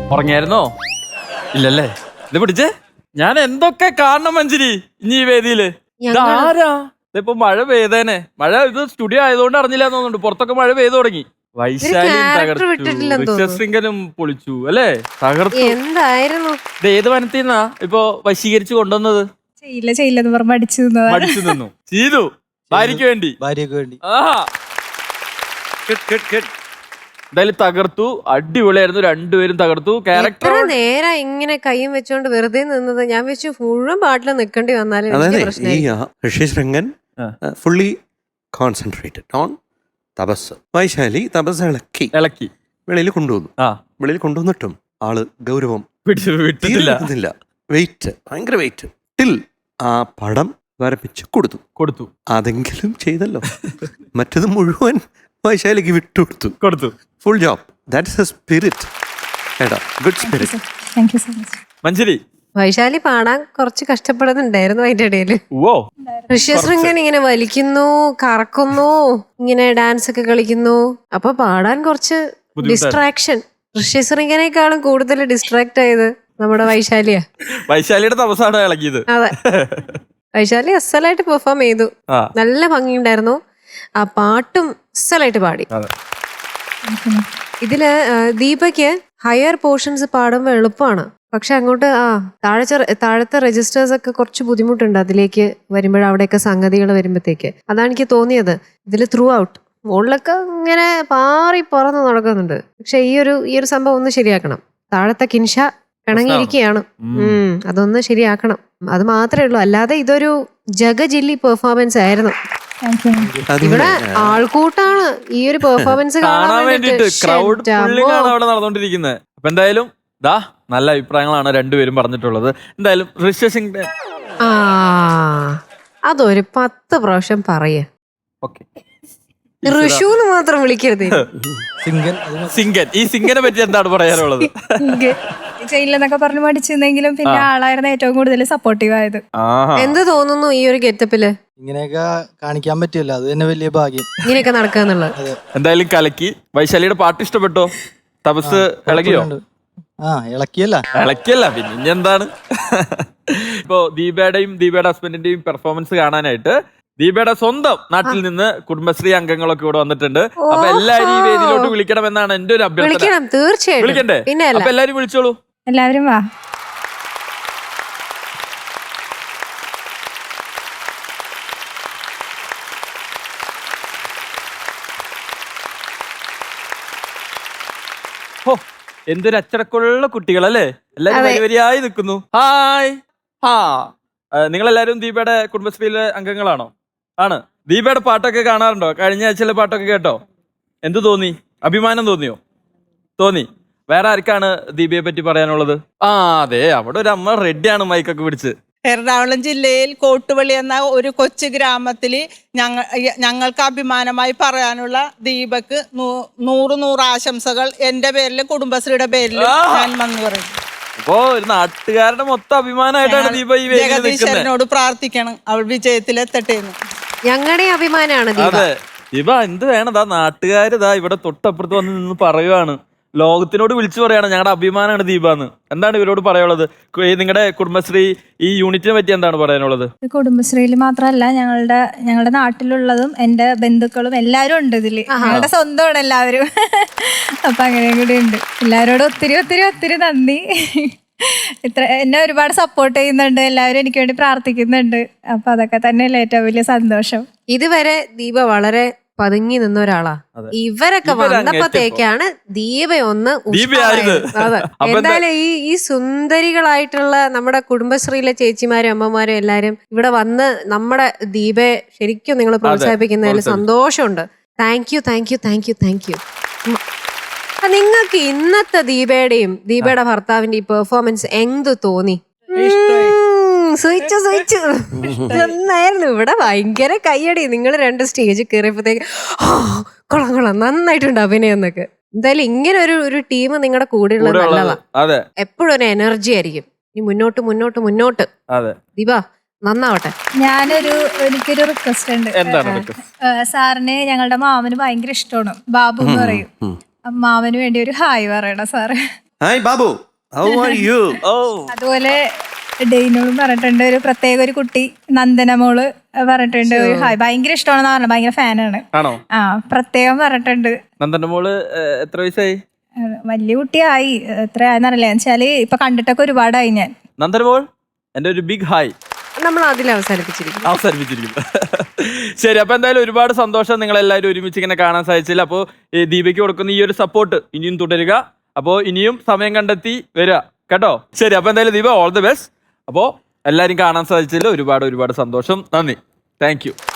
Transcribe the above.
ഉറങ്ങിയായിരുന്നോ? ഇല്ലല്ലേ? ഇത് പിടിച്ചേ, ഞാൻ എന്തൊക്കെ കാണണം മഞ്ജരി ഇനി ഈ വേദിയില്. ഇതാരാ? ഇതിപ്പോ മഴ പെയ്തേനെ. മഴ ഇത് സ്റ്റുഡിയോ ആയതുകൊണ്ട് അറിഞ്ഞില്ല തോന്നുന്നുണ്ട്. പുറത്തൊക്കെ മഴ പെയ്തു തുടങ്ങി. വൈശാലിയും തകർത്തു, ഋഷ്യശൃംഖലും പൊളിച്ചു അല്ലേ? തകർത്തു. എന്തായിരുന്നു ഇത് ഏത് വനത്തിന്നാ ഇപ്പൊ വശീകരിച്ചു കൊണ്ടുവന്നത്? ചെയ്യില്ലെന്ന് പറഞ്ഞ് മടിച്ചു നിന്നു. ചെയ്തു ഭാര്യക്ക് വേണ്ടി. ആഹാ, എന്തായാലും തകർത്തു. അടിപൊളിയായിരുന്നു. രണ്ടുപേരും തകർത്തു. ക്യാരക്ടർ നേരെ ഇങ്ങനെ കൈയും വെച്ചോണ്ട് വെറുതെ നിന്നത്. ഞാൻ വെച്ചു മുഴുവൻ പാട്ടിൽ നിൽക്കേണ്ടി വന്നാലും ഋഷ്യശൃംഗൻ ഫുള്ളി കോൺസെൻട്രേറ്റഡ് ഓൺ തപസ്. വൈശാലി തപസ് ഇളക്കി വെളിയിൽ കൊണ്ടുവന്നു. വെളിയിൽ കൊണ്ടുവന്നിട്ടും ആള് ഗൗരവം വിട്ടില്ല. വെയിറ്റ്, ഭയങ്കര വെയിറ്റ്. ടിൽ ആ പടം വരപ്പിച്ച് കൊടുത്തു. അതെങ്കിലും ചെയ്തല്ലോ. മറ്റത് മുഴുവൻ വൈശാലിക്ക് വിട്ടുകൊടുത്തു. Full job. That's a spirit. Good spirit. Thank you so much. Manjari, Vaishali പാടാൻ കുറച്ച് കഷ്ടപ്പെടുന്നുണ്ടായിരുന്നു അതിന്റെ ഇടയില്. ഋഷ്യശൃംഗൻ ഇങ്ങനെ വലിക്കുന്നു, കറക്കുന്നു, ഇങ്ങനെ ഡാൻസ് ഒക്കെ കളിക്കുന്നു. അപ്പൊ പാടാൻ കുറച്ച് ഡിസ്ട്രാക്ഷൻ. ഋഷ്യശൃംഗനേക്കാളും കൂടുതൽ ഡിസ്ട്രാക്ട് ആയത് നമ്മുടെ വൈശാലിയാ. വൈശാലിയുടെ തപസ്സാണ് ഇളക്കിയത്. അതെ, വൈശാലി അസലായിട്ട് പെർഫോം ചെയ്തു. നല്ല ഭംഗിയുണ്ടായിരുന്നു. ആ പാട്ടും അസലായിട്ട് പാടി. ഇതില് ദീപയ്ക്ക് ഹയർ പോർഷൻസ് പാടുമ്പോൾ എളുപ്പമാണ്. പക്ഷെ അങ്ങോട്ട് താഴത്തെ രജിസ്റ്റേഴ്സ് ഒക്കെ കുറച്ച് ബുദ്ധിമുട്ടുണ്ട് അതിലേക്ക് വരുമ്പോഴ അവിടെയൊക്കെ സംഗതികൾ വരുമ്പോഴത്തേക്ക്. അതാണ് എനിക്ക് തോന്നിയത്. ഇതിൽ ത്രൂ ഔട്ട് മുകളിലൊക്കെ ഇങ്ങനെ പാറി പറന്ന് നടക്കുന്നുണ്ട്. പക്ഷെ ഈ ഒരു സംഭവം ഒന്ന് ശരിയാക്കണം. താഴത്തെ കിൻഷ പിണങ്ങിയിരിക്കുകയാണ്. അതൊന്ന് ശരിയാക്കണം. അത് മാത്രമേ ഉള്ളൂ. അല്ലാതെ ഇതൊരു ജഗജില്ലി പെർഫോമൻസ് ആയിരുന്നു. ഇവിടെ ആൾക്കൂട്ടാണ് ഈ ഒരു പെർഫോമൻസ് കാണാൻ വേണ്ടിട്ട്. അവിടെ നടന്നുകൊണ്ടിരിക്കുന്നത്. അപ്പൊ എന്തായാലും നല്ല അഭിപ്രായങ്ങളാണ് രണ്ടുപേരും പറഞ്ഞിട്ടുള്ളത്. എന്തായാലും ഋഷ്യശൃംഗൻ അതൊരു 10 പ്രാവശ്യം പറയ. ഋഷു എന്ന് മാത്രം വിളിക്കരുത്. സിംഗൻ. ഈ സിംഗനെ പറ്റി എന്താണ് പറയാനുള്ളത്? ചെയ്യില്ലെന്നൊക്കെ പറഞ്ഞു പഠിച്ചിരുന്നെങ്കിലും പിന്നെ ആളായിരുന്നു ഏറ്റവും കൂടുതൽ സപ്പോർട്ടീവ് ആയത്. എന്ത് തോന്നുന്നു ഈ ഒരു ഗെറ്റപ്പില്? ഇങ്ങനെയൊക്കെ കാണിക്കാൻ പറ്റില്ല, അത് തന്നെ വലിയ ഭാഗ്യം. ഇങ്ങനെയൊക്കെ നടക്കുക എന്നുള്ളത്. എന്തായാലും കലക്കി. വൈശാലിയുടെ പാട്ട് ഇഷ്ടപ്പെട്ടോ? തപസ് ഇളകിയോ? ഇളക്കിയല്ല പിന്നെ എന്താണ്. ഇപ്പൊ ദീപയുടെ ഹസ്ബൻഡിന്റെയും പെർഫോമൻസ് കാണാനായിട്ട് ദീപയുടെ സ്വന്തം നാട്ടിൽ നിന്ന് കുടുംബശ്രീ അംഗങ്ങളൊക്കെ ഇവിടെ വന്നിട്ടുണ്ട്. അപ്പൊ എല്ലാരും ഈ വേദിയിലോട്ട് വിളിക്കണം എന്നാണ് എന്റെ ഒരു അഭ്യർത്ഥന. തീർച്ചയായും വിളിക്കണ്ടേ? അപ്പൊ എല്ലാരും വിളിച്ചോളൂ. എല്ലാവരും വാ. എന്തൊരു അച്ചടക്കമുള്ള കുട്ടികളല്ലേ. എല്ലാരും വരിയായി നിൽക്കുന്നു. ഹായ്. നിങ്ങളെല്ലാരും ദീപയുടെ കുടുംബശ്രീയിലെ അംഗങ്ങളാണോ? ആണ്. ദീപയുടെ പാട്ടൊക്കെ കാണാറുണ്ടോ? കഴിഞ്ഞ ആഴ്ചയിലെ പാട്ടൊക്കെ കേട്ടോ? എന്ത് തോന്നി? അഭിമാനം തോന്നി? വേറെ ആർക്കാണ് ദീപയെ പറ്റി പറയാനുള്ളത്? അതെ, അവിടെ ഒരു അമ്മ റെഡിയാണ് മൈക്കൊക്കെ പിടിച്ച്. എറണാകുളം ജില്ലയിൽ കോട്ടുപള്ളി എന്ന ഒരു കൊച്ചു ഗ്രാമത്തിൽ ഞങ്ങൾക്ക് അഭിമാനമായി പറയാനുള്ള ദീപക്ക് 100 ആശംസകൾ എൻ്റെ പേരിലും കുടുംബശ്രീയുടെ പേരിലും ഞാൻ വന്നു പറയും. അപ്പോ ഒരു നാട്ടുകാരുടെ മൊത്തം അഭിമാനമായിട്ടാണ് ദീപ ഈ ജഗദീശ്വരനോട് പ്രാർത്ഥിക്കണം അവൾ വിജയത്തിലെത്തട്ടെ എന്ന്. ഞങ്ങളുടെ അഭിമാനമാണ്. അതെ, ദീപ എന്ത് വേണതാ നാട്ടുകാരിതാ ഇവിടെ തൊട്ടപ്പുറത്ത് വന്ന് നിന്ന് പറയുവാണ്. ലോകത്തിനോട് വിളിച്ചു പറയാണ് ഞങ്ങളുടെ അഭിമാനമാണ് ദീപ എന്ന്. എന്താണ് ഇവരോട് പറയാനുള്ളത്? നിങ്ങളുടെ കുടുംബശ്രീ ഈ യൂണിറ്റിനെ പറ്റി എന്താണ് പറയാനുള്ളത്? കുടുംബശ്രീയിൽ മാത്രമല്ല ഞങ്ങളുടെ നാട്ടിലുള്ളതും എന്റെ ബന്ധുക്കളും എല്ലാവരും ഉണ്ട് ഇതില്. ഞങ്ങളുടെ സ്വന്തമാണ് എല്ലാവരും. അപ്പൊ അങ്ങനെയും കൂടി ഉണ്ട്. എല്ലാവരോടും ഒത്തിരി നന്ദി. എന്നെ ഒരുപാട് സപ്പോർട്ട് ചെയ്യുന്നുണ്ട്. എല്ലാവരും എനിക്ക് വേണ്ടി പ്രാർത്ഥിക്കുന്നുണ്ട്. അപ്പൊ അതൊക്കെ തന്നെയല്ലേ ഏറ്റവും വലിയ സന്തോഷം. ഇതുവരെ ദീപ വളരെ പതുങ്ങി നിന്ന ഒരാളാ. ഇവരൊക്കെ വന്നപ്പോഴത്തേക്കാണ് ദീപ ഒന്ന്. എന്തായാലും ഈ സുന്ദരികളായിട്ടുള്ള നമ്മുടെ കുടുംബശ്രീയിലെ ചേച്ചിമാരും അമ്മമാരും എല്ലാരും ഇവിടെ വന്ന് നമ്മുടെ ദീപയെ ശരിക്കും നിങ്ങൾ പ്രോത്സാഹിപ്പിക്കുന്നതിൽ സന്തോഷമുണ്ട്. Thank you. നിങ്ങൾക്ക് ഇന്നത്തെ ദീപയുടെ ഭർത്താവിന്റെ ഈ പെർഫോമൻസ് എന്ത് തോന്നി? സഹിച്ചു നന്നായിരുന്നു. ഇവിടെ ഭയങ്കര കയ്യടി. നിങ്ങൾ 2 സ്റ്റേജിൽ കയറിയപ്പോഴത്തേക്ക് കൊള്ളാം നന്നായിട്ടുണ്ട് അഭിനയം എന്നൊക്കെ. എന്തായാലും ഇങ്ങനെ ഒരു ടീം നിങ്ങളുടെ കൂടെ ഉള്ളത് നല്ലതാ. എപ്പോഴും ഒരു എനർജി ആയിരിക്കും. ഇനി മുന്നോട്ട്. ദീപ നന്നാവട്ടെ. എനിക്കൊരു റിക്വസ്റ്റ് ഉണ്ട്. സാറിന് ഞങ്ങളുടെ മാമന് ഭയങ്കര ഇഷ്ടമാണ്. ബാബു എന്ന് പറയും. മാമന് വേണ്ടി ഒരു ഹായ് പറയണം sir. Hi Babu, how are you? ഓ അതുപോലെ ഡെയിനോളും പറഞ്ഞിട്ടുണ്ട്, ഒരു പ്രത്യേക ഒരു കുട്ടി നന്ദനമോള് പറഞ്ഞിട്ടുണ്ട് ഒരു ഹായ്, ഭയങ്കര ഇഷ്ടമാണെന്ന് പറഞ്ഞത്, ഭയങ്കര ഫാനാണ്. ആണോ? ആ പ്രത്യേകം പറഞ്ഞിട്ടുണ്ട്. നന്ദന്റെ മോള് എത്ര വയസ്സായി? വലിയ കുട്ടിയായി, എത്രയായെന്നറിയില്ല, വെച്ചാല് ഇപ്പൊ കണ്ടിട്ടൊക്കെ ഒരുപാടായി ഞാൻ. നന്ദൻ മോൾ എന്റെ ഒരു ബിഗ് ഹായ്. നമ്മൾ അതിൽ അവസാനിപ്പിച്ചിരിക്കും. ശരി, അപ്പൊ എന്തായാലും ഒരുപാട് സന്തോഷം നിങ്ങൾ എല്ലാവരും ഒരുമിച്ച് ഇങ്ങനെ കാണാൻ സാധിച്ചില്ല. അപ്പോൾ ഈ ദീപയ്ക്ക് കൊടുക്കുന്ന ഈ ഒരു സപ്പോർട്ട് ഇനിയും തുടരുക. അപ്പോൾ ഇനിയും സമയം കണ്ടെത്തി വരിക കേട്ടോ. ശരി, അപ്പൊ എന്തായാലും ദീപ ഓൾ ദി ബെസ്റ്റ്. അപ്പോൾ എല്ലാവരും കാണാൻ സാധിച്ചില്ല, ഒരുപാട് സന്തോഷം. നന്ദി, താങ്ക് യു.